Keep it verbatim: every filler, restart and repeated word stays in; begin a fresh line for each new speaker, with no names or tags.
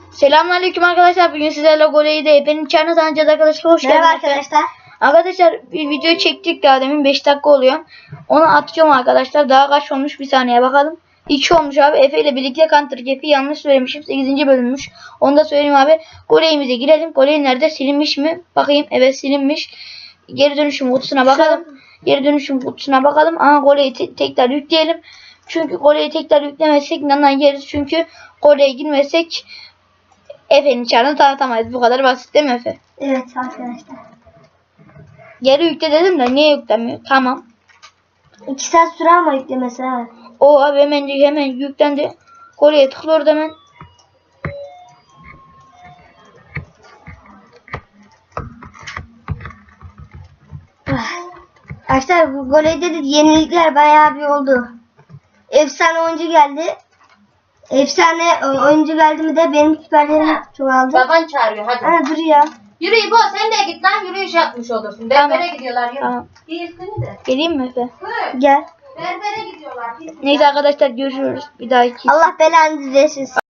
Selamünaleyküm arkadaşlar. Bugün sizlerle Gole'yi benim çarını tanıyacağız arkadaşlar. Hoş geldiniz.
Merhaba arkadaşlar.
Arkadaşlar bir video çektik daha demin beş dakika oluyor. Onu atacağım arkadaşlar. Daha kaç olmuş bir saniye bakalım. iki olmuş abi. Efe ile birlikte Counter Cap'i yanlış söylemişim. sekizinci bölünmüş. Onu da söyleyeyim abi. Gole'imize girelim. Gole nerede? Silinmiş mi? Bakayım. Evet silinmiş. Geri dönüşüm kutusuna bakalım. Geri dönüşüm kutusuna bakalım. Aha Gole'yi te tekrar yükleyelim. Çünkü Gole'yi tekrar yüklemezsek nandan yeriz. Çünkü Gole'ye girmezsek Efe'nin çarını tanıtamayız. Bu kadar basit değil mi Efe?
Evet arkadaşlar.
Geri yükle dedim de niye yüklemiyor? Tamam.
iki saat süre ama yüklemesi ha.
O abi hemen hemen yüklendi. Gole'ye tıklıyor hemen.
Arkadaşlar bu goleyde de yenilikler bayağı bir oldu. Efsane oyuncu geldi. Efsane oyuncu geldi mi de benim küperlerim çoğaldı.
Baban çağırıyor hadi.
Ha dur ya.
Yürü İbo sen de git lan yürüyüş yapmış olursun. Berbere
Tamam.
gidiyorlar yürü.
Tamam.
Girsene de.
Geleyim mi Efe?
Hı.
Gel.
Berbere gidiyorlar. Git.
Neyse arkadaşlar görüşürüz. Bir dahaki.
Allah belanı versin.